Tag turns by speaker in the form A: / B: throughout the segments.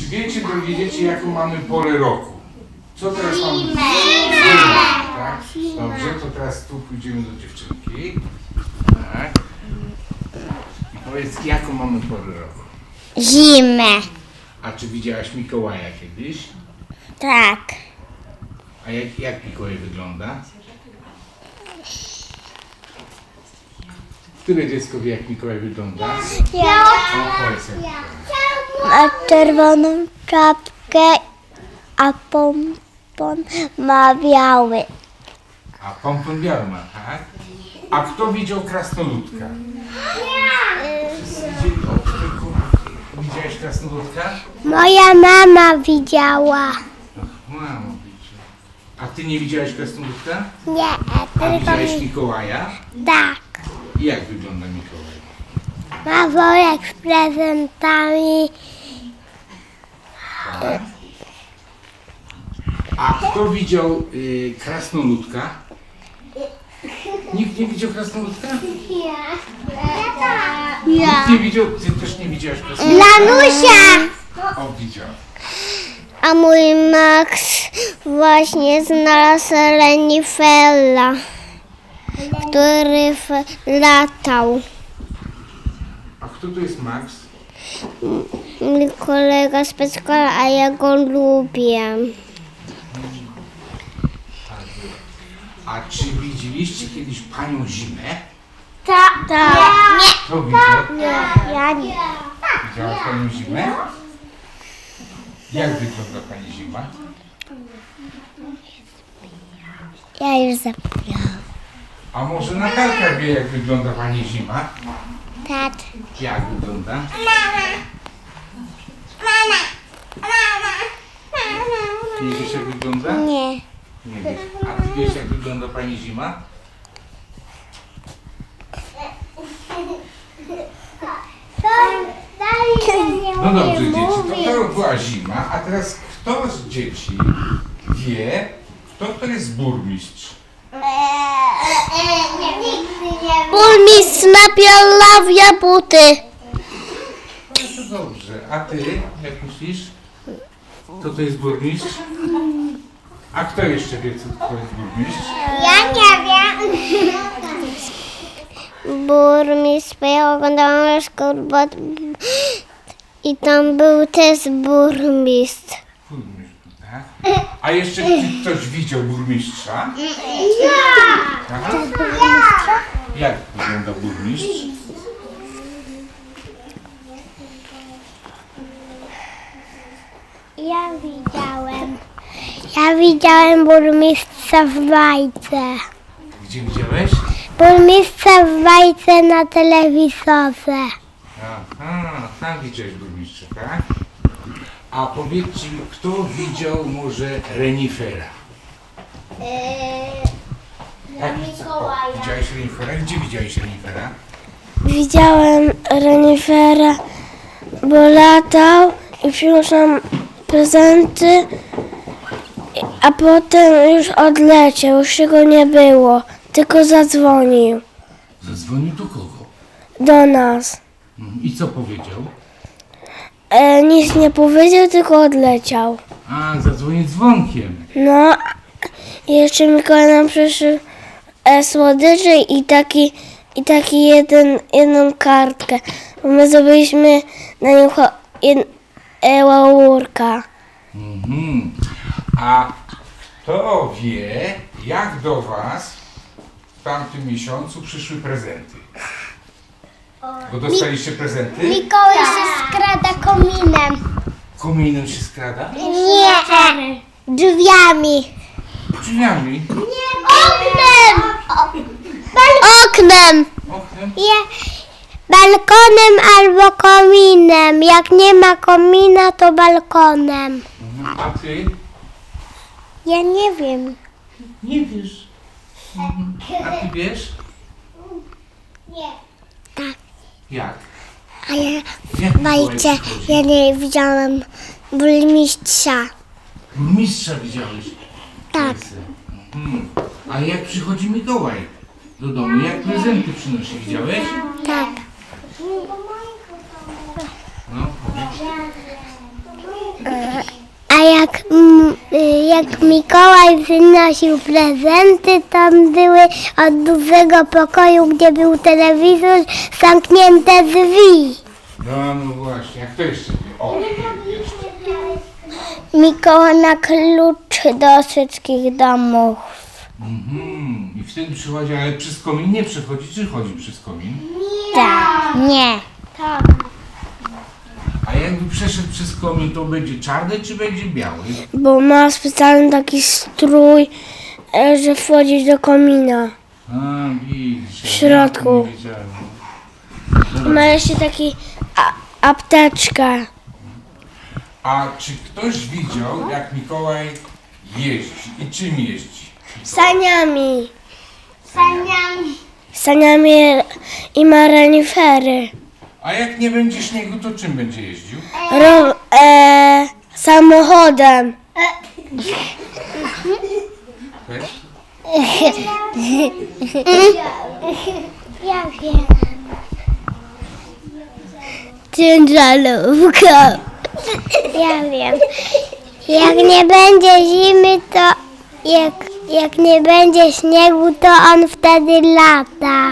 A: Czy wiecie, drogie dzieci, jaką mamy porę roku? Co teraz mamy? Zimę. Tak? Dobrze, to teraz tu pójdziemy do dziewczynki. Tak. I powiedz, jaką mamy porę roku?
B: Zimę.
A: A czy widziałaś Mikołaja kiedyś?
B: Tak.
A: A jak Mikołaj wygląda? Które dziecko wie, jak Mikołaj wygląda?
B: Ja.
A: O, powiedz, jak Mikołaj.
B: Ma czerwoną czapkę, a pompon ma biały.
A: A pompon biały ma, tak? A kto widział krasnoludka? Widziałeś krasnoludka?
B: Moja mama widziała.
A: Mamo, widział. A ty nie widziałeś krasnoludka?
B: Nie,
A: A
B: tylko
A: widziałeś
B: mi...
A: Mikołaja?
B: Tak.
A: I jak wygląda Mikołaj?
B: Ma worek z prezentami.
A: Tak. A kto widział krasnoludka? Nikt nie widział krasnoludka? Nikt nie widział? Ty też nie widziałaś krasnoludka?
B: Lanusia!
A: O, widział.
B: A mój Max właśnie znalazł renifera, który latał.
A: A kto tu jest Max?
B: Mój kolega z przedszkola, a ja go lubię.
A: A czy widzieliście kiedyś Panią Zimę?
B: Tak. Nie.
A: Kto widział?
B: Ja nie.
A: Widziałaś Panią Zimę? Jak wygląda Pani Zima?
B: Ja już zapomniałam.
A: A może Natalka wie, jak wygląda Pani Zima?
B: Tak.
A: Jak wygląda? Nie wiesz, jak wygląda?
B: Nie.
A: Nie wiesz. A ty wiesz, jak wygląda Pani Zima? No dobrze, dzieci, to była zima, a teraz kto z dzieci wie, kto to jest burmistrz?
B: Burmistrz napielawia buty.
A: No to dobrze, a ty, jak myślisz, kto to jest burmistrz? A kto jeszcze wie, kto jest burmistrz?
B: Ja nie wiem. Burmistrz, bo ja oglądałam szkołę i tam był też burmistrz.
A: Burmistrz, tak? A jeszcze ktoś widział burmistrza? Ja! Jak wygląda burmistrz?
B: Ja widziałem burmistrza w bajce.
A: Gdzie widziałeś?
B: Burmistrza w bajce na telewizorze.
A: Aha, tam widziałeś burmistrza, tak? A powiedzcie mi, kto widział może renifera? Widziałeś renifera? Gdzie widziałeś renifera?
B: Widziałem renifera, bo latał i przyniósł nam prezenty, a potem już odleciał, już go nie było, tylko zadzwonił
A: Zadzwonił do kogo?
B: do nas.
A: I co powiedział?
B: Nic nie powiedział, tylko odleciał.
A: A, zadzwonił dzwonkiem.
B: No, i jeszcze Mikołaj nam przyszedł słodycze i jedną kartkę. My zrobiliśmy na nim laurka.
A: A kto wie, jak do was w tamtym miesiącu przyszły prezenty? Bo dostaliście prezenty?
B: Mikołaj się skrada kominem.
A: Kominem się skrada?
B: Nie, drzwiami.
A: Drzwiami?
B: Oknem! Oknem!
A: Oknem?
B: Balkonem albo kominem. Jak nie ma komina, to balkonem.
A: A ty?
B: Ja nie wiem.
A: Nie wiesz. A ty wiesz?
B: Nie. Tak.
A: Jak?
B: A ja
A: Jak
B: w bajce ja nie widziałem burmistrza.
A: Burmistrza widziałeś?
B: Tak.
A: A jak przychodzi Mikołaj do domu? Jak prezenty przynosi? Widziałeś?
B: Tak.
A: No, powiedz.
B: jak Mikołaj przynosił prezenty, tam były od dużego pokoju, gdzie był telewizor, zamknięte drzwi.
A: No właśnie, jak to jeszcze wie? O, jeszcze.
B: Mikołaj ma klucz do wszystkich domów.
A: I wtedy przychodzi, ale przez komin nie przechodzi, czy chodzi przez komin?
B: Tak. Nie.
A: A jakby przeszedł przez komin, to będzie czarny, czy będzie biały?
C: Bo ma specjalny taki strój, że wchodzić do komina.
A: A, widzisz.
C: W środku.
A: Nie wiedziałem.
C: Ma jeszcze taki apteczkę.
A: A czy ktoś widział, jak Mikołaj jeździ i czym jeździ?
C: Saniami. Saniami i ma renifery.
A: A jak nie będzie śniegu, to czym będzie jeździł?
C: Samochodem.
A: Wiesz?
B: Ja wiem. Ciężarówką. Ja wiem. Jak nie będzie zimy, to jak nie będzie śniegu, to on wtedy lata.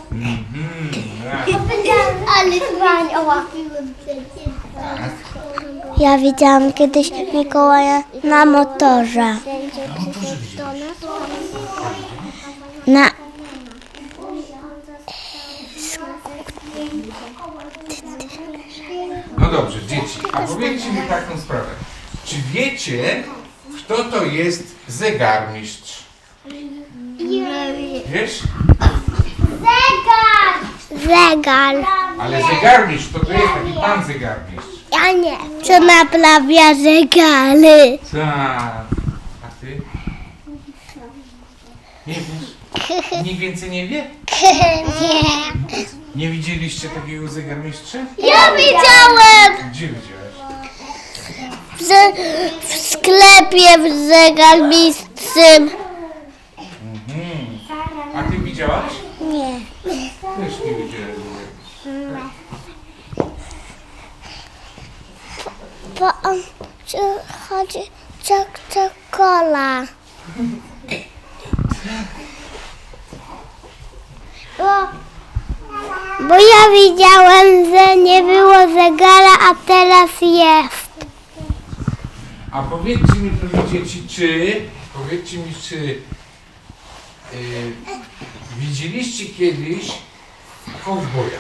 B: Ale łapiłem przecież. Ja widziałam kiedyś Mikołaja na motorze. Na...
A: No dobrze, dzieci, a powiedzcie mi taką sprawę. Czy wiecie, kto to jest zegarmistrz? Wiesz?
B: Zegar.
A: Ale zegarmistrz to jest taki pan zegarmistrz.
B: Ja nie. Co naprawia zegary?
A: Tak. A ty? Nie wiesz? Nikt więcej nie wie?
B: Nie.
A: Nie widzieliście takiego zegarmistrza?
B: Ja widziałem
A: Gdzie widziałeś?
B: w sklepie w zegarmistrzym.
A: A ty widziałaś?
B: Nie.
A: Też nie widziałem.
B: Bo on przychodzi coca-cola. Bo ja widziałem, że nie było zegara, a teraz jest.
A: A powiedzcie mi, proszę dzieci, czy widzieliście kiedyś kowboja?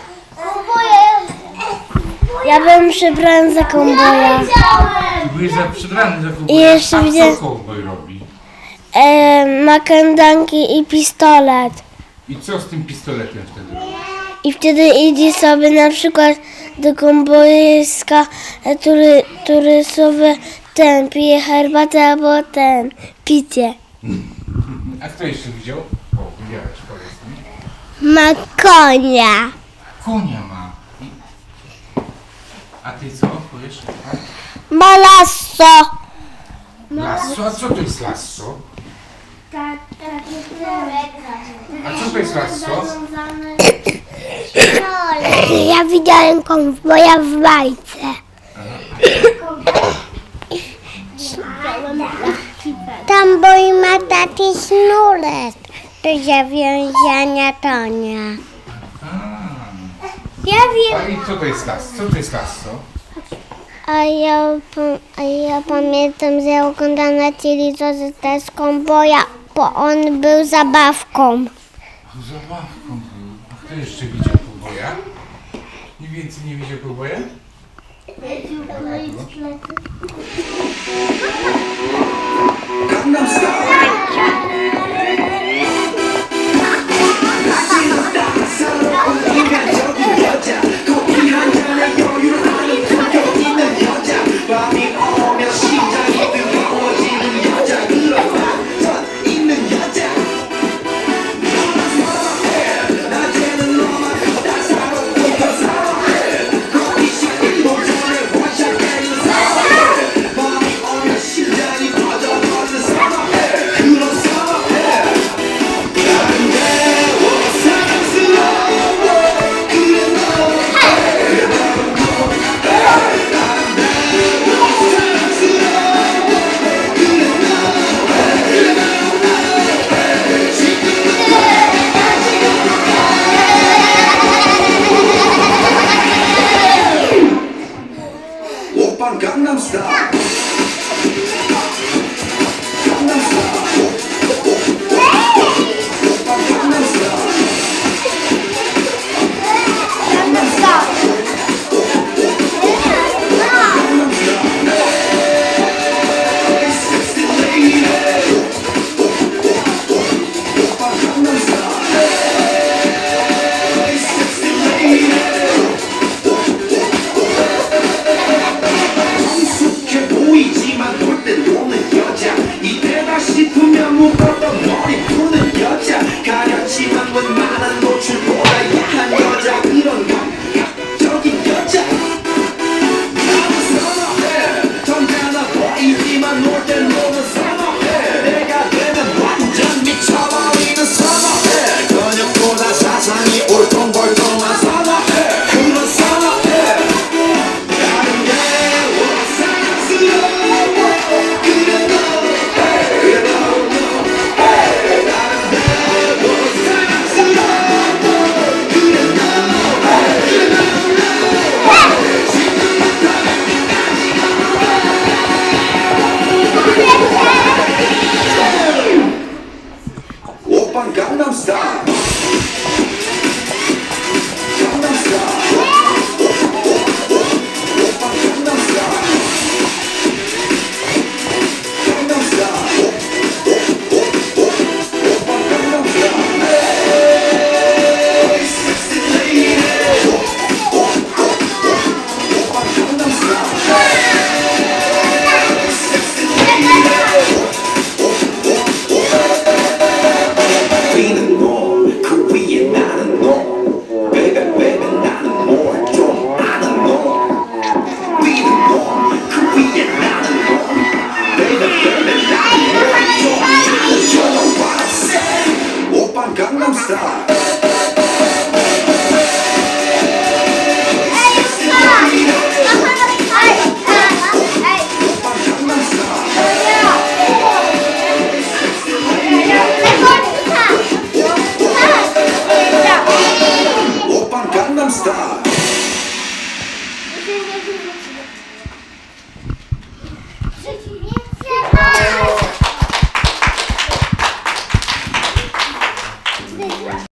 C: Ja bym przebrałem za kowboja.
A: Ty byłeś przebrany za
C: I
A: kowboja.
C: jeszcze
A: A
C: widzę-
A: co kowboj robi?
C: Ma kandanki i pistolet.
A: I co z tym pistoletem wtedy robi?
C: I wtedy idzie sobie na przykład do kowbojska, który sobie pije herbatę albo picie.
A: A kto jeszcze widział? O, widziałeś, powiedz mi.
B: Ma konia.
A: Konia ma. A ty co? Powiesz? Tak?
B: Ma lasso.
A: Lasso? A co to jest lasso? A co to jest lasso?
B: Ja widziałem kowboja w bajce. Tam boi ma taki sznurek do zawiązania tonia. Ja wiem.
A: A i co to jest lasso? Co to jest lasso?
B: A ja pamiętam, że oglądam na telewizorze też kowboja, bo on był zabawką.
A: Zabawką był. A kto jeszcze widział kowboja? Nikt więcej nie widział kowboja?
D: don't stop.